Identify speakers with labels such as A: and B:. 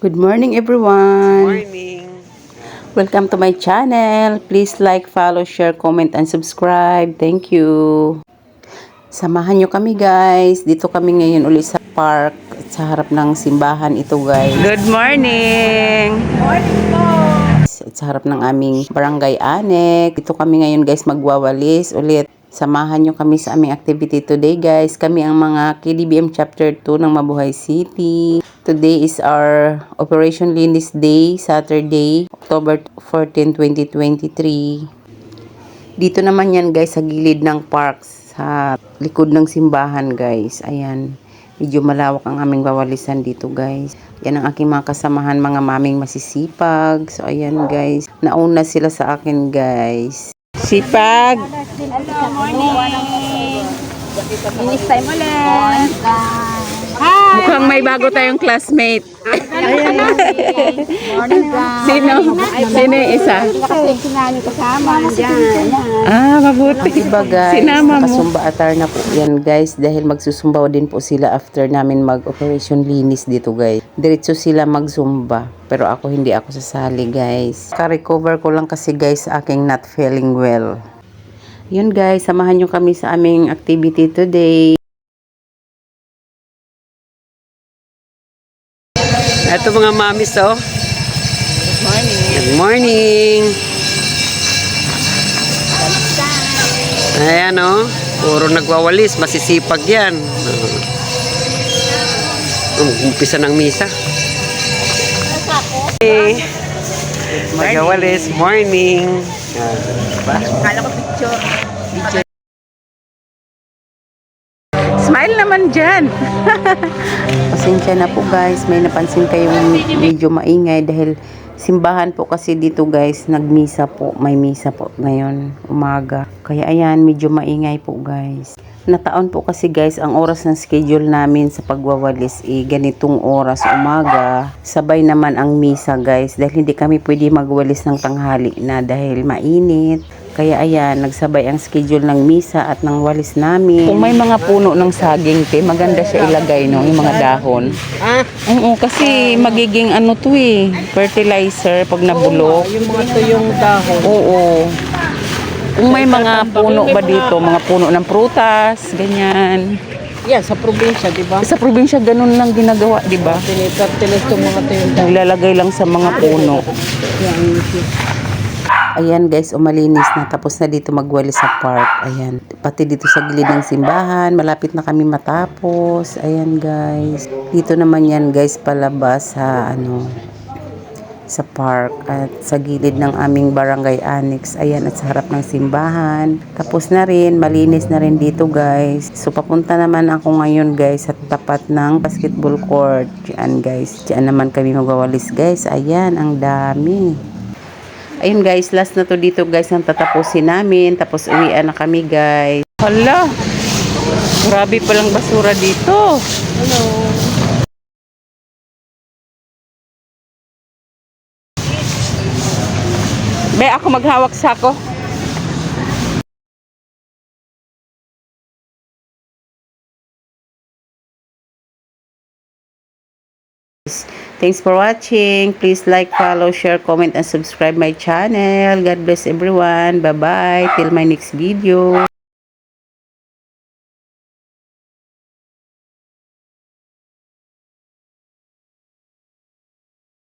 A: Good morning everyone.
B: Morning.
A: Welcome to my channel. Please like, follow, share, comment, and subscribe. Thank you. Samahan nyo kami guys. Dito kami ngayon ulit sa park. Sa harap ng simbahan ito guys. Good morning.
B: Morning po.
A: At sa harap ng aming barangay Anek. Dito kami ngayon guys magwawalis ulit. Samahan nyo kami sa aming activity today guys. Kami ang mga KDBM Chapter 2 ng Mabuhay City. Today is our Operation Linis Day, Saturday, October 14, 2023. Dito naman yan guys sa gilid ng park, sa likod ng simbahan guys. Ayan, medyo malawak ang aming wawalisan dito guys. Yan ang aking mga kasamahan, mga maming masisipag. So ayan guys, nauna sila sa akin guys. Sipag!
B: Hello, morning. Finish time ulit. Hi.
A: Mukhang may bago tayong classmate.
B: Morning, guys.
A: Sino? Sino yung isa?
B: Kasi sinali kasama dyan.
A: Ah, mabuti. Diba guys,
B: Sinama mo.
A: nakasumba atar na po yan guys. Dahil magsusumbaw din po sila after namin mag-operation linis dito guys. Diretso sila magsumba. Pero ako hindi ako sasali guys. Ka-recover ko lang kasi guys sa aking not feeling well. Yun guys, samahan nyo kami sa aming activity today.
B: Ito mga mamis, oh.
A: Good morning.
B: Good morning. Ayan, oh. Puro nagwawalis. Masisipag yan. Umpisa ng misa. Hey. Nagwawalis. Morning.
A: Kala ko picture. Smile naman dyan. Pasensya na po guys. May napansin kayong medyo maingay dahil simbahan po kasi dito guys. Nagmisa po. May misa po ngayon. Umaga. Kaya ayan, medyo maingay po guys. Nataon po kasi guys, ang oras ng schedule namin sa pagwawalis ganitong oras umaga. Sabay naman ang misa guys. Dahil hindi kami pwede magwalis ng tanghali na dahil mainit. Kaya ayan, nagsabay ang schedule ng misa at ng walis namin. Kung may mga puno ng saging, maganda siya ilagay, no? Yung mga dahon. Oo, kasi magiging ano to fertilizer pag nabulok.
B: Yung mga to yung dahon.
A: Oo. Kung may mga puno ba dito, mga puno ng prutas, ganyan.
B: Yan, sa probinsya, di ba?
A: Sa probinsya, ganun lang ginagawa, di ba?
B: Fertilize itong mga to yung dahon.
A: Naglalagay lang sa mga puno. Ayan guys, umalinis na. Tapos na dito magwalis sa park. Ayan. Pati dito sa gilid ng simbahan. Malapit na kami matapos. Ayan guys. Dito naman yan guys palabas sa park. At sa gilid ng aming barangay annex. Ayan, at sa harap ng simbahan. Tapos na rin. Malinis na rin dito guys. So papunta naman ako ngayon guys sa tapat ng basketball court. Diyan guys. Diyan naman kami magwawalis guys. Ayan, ang dami. Ayun guys, last na to dito guys ang tatapusin namin. Tapos uwian na kami guys. Hala! Grabe palang basura dito.
B: Hello.
A: Be, ako maghawak sako. Thanks for watching. Please like, follow, share, comment, and subscribe my channel. God bless everyone. Bye-bye. Till my next video.